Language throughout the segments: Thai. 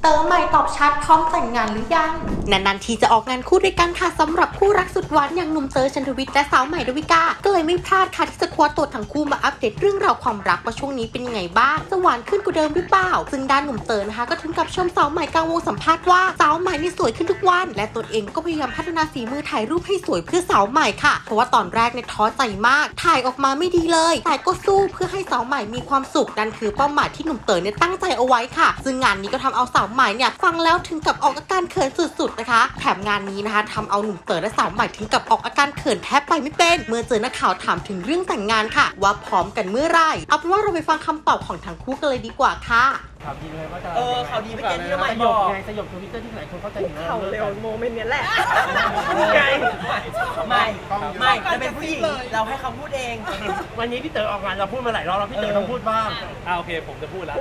เต๋อใหม่ตอบชัดพร้อมแต่งงานหรือยังนานๆทีจะออกงานคู่ด้วยกันค่ะสำหรับคู่รักสุดหวานอย่างหนุ่มเต๋อชันทวิทย์และสาวใหม่ดาวิกาก็เลยไม่พลาดค่ะที่จะคว้าตัวทั้งคู่มาอัปเดตเรื่องราวความรักว่าช่วงนี้เป็นยังไงบ้างจะหวานขึ้นกว่าเดิมหรือเปล่าซึ่งด้านหนุ่มเต๋อนะคะก็ถึงกับชมสาวใหม่กลางวงสัมภาษณ์ว่าสาวใหม่นี่สวยขึ้นทุกวันและตนเองก็พยายามพัฒนาฝีมือถ่ายรูปให้สวยเพื่อสาวใหม่ค่ะเพราะว่าตอนแรกเนี่ยท้อใจมากถ่ายออกมาไม่ดีเลยแต่ก็สู้เพื่อให้สาวใหม่มีความสุขนั่นคือเป้าหมายที่หนุ่มเต๋อเนี่ยตั้งใจเอาไว้ค่ะซึ่งงานนี้ก็ทำเอาสาวใหม่เนี่ยฟังแล้วถึงกับออกอาการเขินสุดๆนะคะแถมงานนี้นะคะทำเอาหนุ่มเต๋อและสาวใหม่ถึงกับออกอาการเขินแทบไปไม่เป็นเมื่อเจอนักข่าวถามถึงเรื่องแต่งงานค่ะว่าพร้อมกันเมื่อไหร่เอาเป็นว่าเราไปฟังคำตอบของทั้งคู่กันเลยดีกว่าค่ะข่าวดีเลยว่าจะข่าวดีไม่เก่งที่จะไม่สบยอบ กไงสยบทวิตเตอร์ที่หลายคนเข้าใจถึงเขาเร็วโมเมนต์เนี้ยแหละไงไม่จะเป็นผู้หญิงเราให้เขาพูดเองวันนี้พี่เต๋อออกงานเราพูดมาหลายรอบแล้วพี่เต๋อต้องพูดบ้างโอเคผมจะพูดแล้ว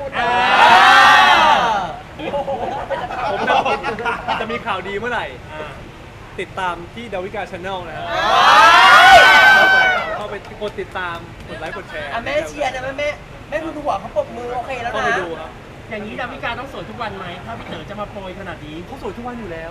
ผมจะมีข่าวดีเมื่อไหร่ ติดตามที่ดาวิกาชาแนลนะฮะเข้าไปกดติดตามกดไลค์กดแชร์แม่เชียร์นะแม่ดูหัวเขาปรบมือโอเคแล้วเข้านะไปดูครับอย่างนี้ดาวิกาต้องสวยทุกวันไหมถ้าพี่เต๋อจะมาโปรยขนาดนี้เขาสวยทุกวันอยู่แล้ว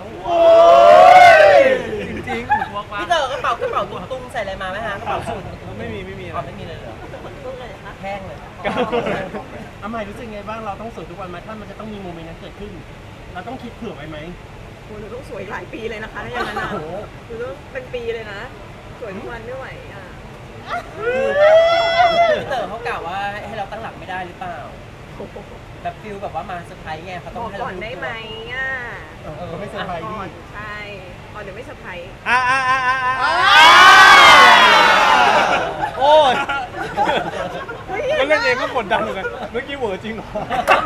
จริงพี่เต๋อกระเป๋ตุ้งใส่อะไรมาไหมฮะกระเป๋าสูทๆไม่มีอะไรไม่มีเลยเหรอแห้งเลยอาใหม่รู้สึกไงบ้างเราต้องสวยทุกวันไหมถ้ามันจะต้องมีโมเมนต์นั้นเกิดขึ้น เราต้องคิดเผื่อไว้ไหมโหหนูต้องสวยหลายปีเลยนะคะถ้าอย่างนั้นอ่ะโอ้โหหนูต้องเป็นปีเลยนะ สวยทุกวันไม่ไหวอ่ะพี่เต๋อเขากล่าวว่าให้เราตั้งหลักไม่ได้หรือเปล่าแบบฟิลแบบว่ามาเซอร์ไพรส์ไงเขาบต้องอกให้ก่เราอนได้ไหมอ่ะก็ไม่เซอร์ไพรส์ก่ดิอนใช่ก่อนเดี๋ยวไม่เซอร์ไพรส์โอ้ยเฮ้ยก็เล่นเองก็กดดันเหมือนกันเมื่อกี้เหวอจริงเหรอ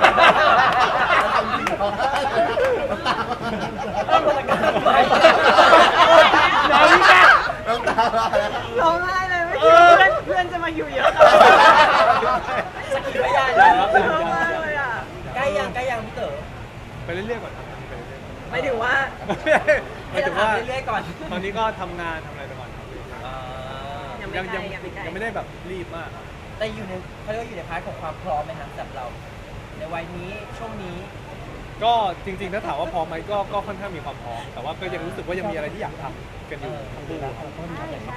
ร้องไห้เลยไม่คิดว่าเพื่อนจะมาอยู่เยอะขนาดนี้สกิลพยานเลยร้องไห้เลยอ่ะใกล้ยังพี่เต๋อไปเรื่อยๆก่อนครับไปเรื่อยๆไม่ถึงว่าหมายถึงว่าเรื่อยๆก่อนตอนนี้ก็ทำงานทำอะไรไปก่อนครับยังไม่ใกล้ยังไม่ใกล้ยังไม่ได้แบบรีบมากแต่อยู่ในเขาเรียกว่าอยู่ในพาร์ทของความพร้อมไหมครับสำหรับเรา ในวัยนี้ช่วงนี้ก็จริงๆถ้าถามว่าพร้อมไหมก็ค่อนข้างมีความพร้อมแต่ว่าก็ยังรู้สึกว่ายังมีอะไรที่อยากทำกันอยู่ทั้งคู่ใช่ใช่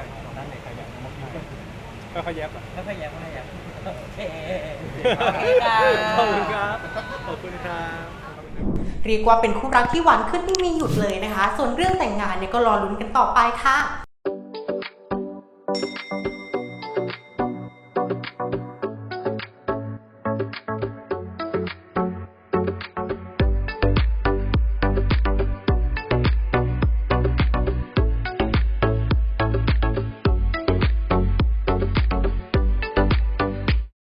ค่อยๆแยบอ่ะไม่พยายามโอเคขอบคุณครับขอบคุณครับเรียกว่าเป็นคู่รักที่หวานขึ้นไม่มีหยุดเลยนะคะ ส่วนเรื่องแต่งงานเนี่ยก็รอลุ้นกันต่อไปค่ะ